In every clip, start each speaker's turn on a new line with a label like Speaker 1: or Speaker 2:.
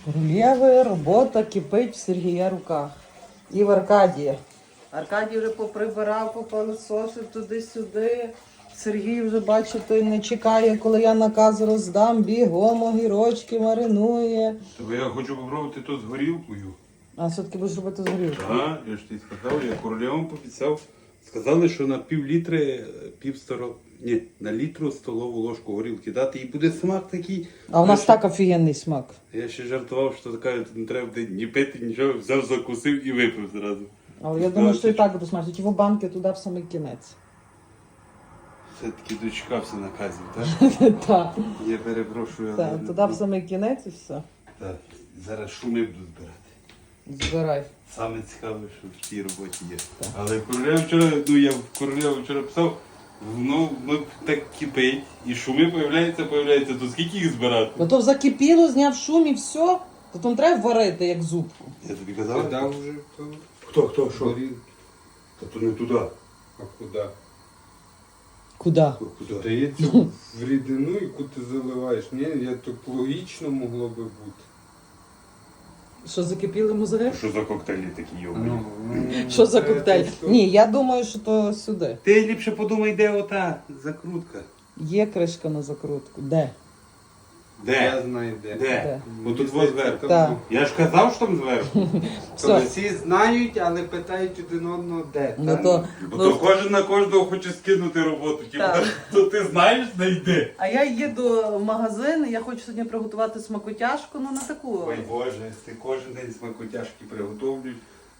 Speaker 1: Королєви, робота кипить в Сергія руках. І в Аркадія. Аркадій вже поприбирав, попилисосив туди-сюди. Сергій вже, бачите, не чекає, коли я наказ роздам, бігом огірочки маринує.
Speaker 2: Тобто я хочу попробувати то з горілкою.
Speaker 1: А все-таки будеш робити з горілкою?
Speaker 2: Так, я ж тобі сказав, я королевам пообіцяв. Сказали, що на пів-літри, на літру столову ложку горілки дати, і буде смак такий.
Speaker 1: А у нас так офігенний смак.
Speaker 2: Я ще жартував, що така не треба буде ні пити, нічого, взяв, закусив і випив зразу.
Speaker 1: Але я думаю, що і так буде смачно. Ті в банки туди в самий кінець.
Speaker 2: Все-таки дочекався наказів, так?
Speaker 1: Так,
Speaker 2: Я перепрошую, але...
Speaker 1: так, туди в самий кінець і все.
Speaker 2: Так, зараз шуми буду збирати.
Speaker 1: Збирай.
Speaker 2: Саме цікаве, що в цій роботі є. Але королева вчора, я в королеву вчора писав, воно так кипить, і шуми появляються, то скільки їх збирати?
Speaker 1: Ну то закипіло, зняв шум і все. То там треба варити, як зубку.
Speaker 2: Я тобі казав?
Speaker 3: Куда вже то?
Speaker 2: Хто, що?
Speaker 3: Горілки.
Speaker 2: Та то не туди.
Speaker 3: А куди?
Speaker 1: Куди?
Speaker 2: Куди?
Speaker 3: Здається, в рідину, яку ти заливаєш. Ні, я так логічно могло би бути.
Speaker 1: Що закипіли мозги?
Speaker 2: Що за коктейлі такі йобані?
Speaker 1: Що за коктейль? Ні, я думаю, що то сюди.
Speaker 2: Ти ліпше подумай, де ота закрутка.
Speaker 1: Є кришка на закрутку. Де?
Speaker 3: Я знаю де.
Speaker 2: Де? Отут
Speaker 3: Мені
Speaker 2: зверху.
Speaker 3: здається,
Speaker 1: Так.
Speaker 3: там
Speaker 2: Я ж казав, що там зверху.
Speaker 1: Все.
Speaker 3: Всі знають, але питають один одного де.
Speaker 1: Ну
Speaker 3: та?
Speaker 1: то,
Speaker 2: Бо
Speaker 1: ну,
Speaker 2: то кожен на кожного хоче скинути роботу.
Speaker 1: Так.
Speaker 2: То ти знаєш, знайди.
Speaker 1: а я їду в магазин, я хочу сьогодні приготувати смакотяжку, ну на таку.
Speaker 2: Ой Боже, ти кожен день смакотяжки приготовлюєш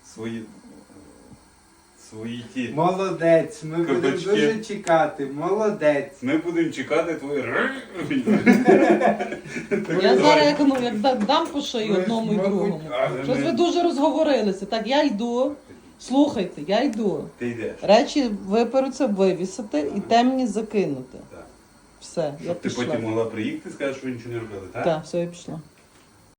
Speaker 2: свої ті.
Speaker 3: Молодець, ми будемо
Speaker 2: Кабачки.
Speaker 3: дуже чекати. Молодець.
Speaker 2: Ми будемо чекати твої.
Speaker 1: Я зараз як дам по шиї
Speaker 3: Ви
Speaker 1: одному і
Speaker 3: ж, мабуть,
Speaker 1: другому.
Speaker 2: але
Speaker 1: Щось
Speaker 2: ми-
Speaker 1: ви дуже розговорилися. Так, я йду. Слухайте, я йду.
Speaker 2: Ти йдеш.
Speaker 1: Речі виперуться, вивісити і темні закинути.
Speaker 2: Так.
Speaker 1: Все, я
Speaker 2: Щоб ти
Speaker 1: пішла.
Speaker 2: потім могла приїхати і сказати, що ви нічого не робили, так?
Speaker 1: Так, все, я пішла.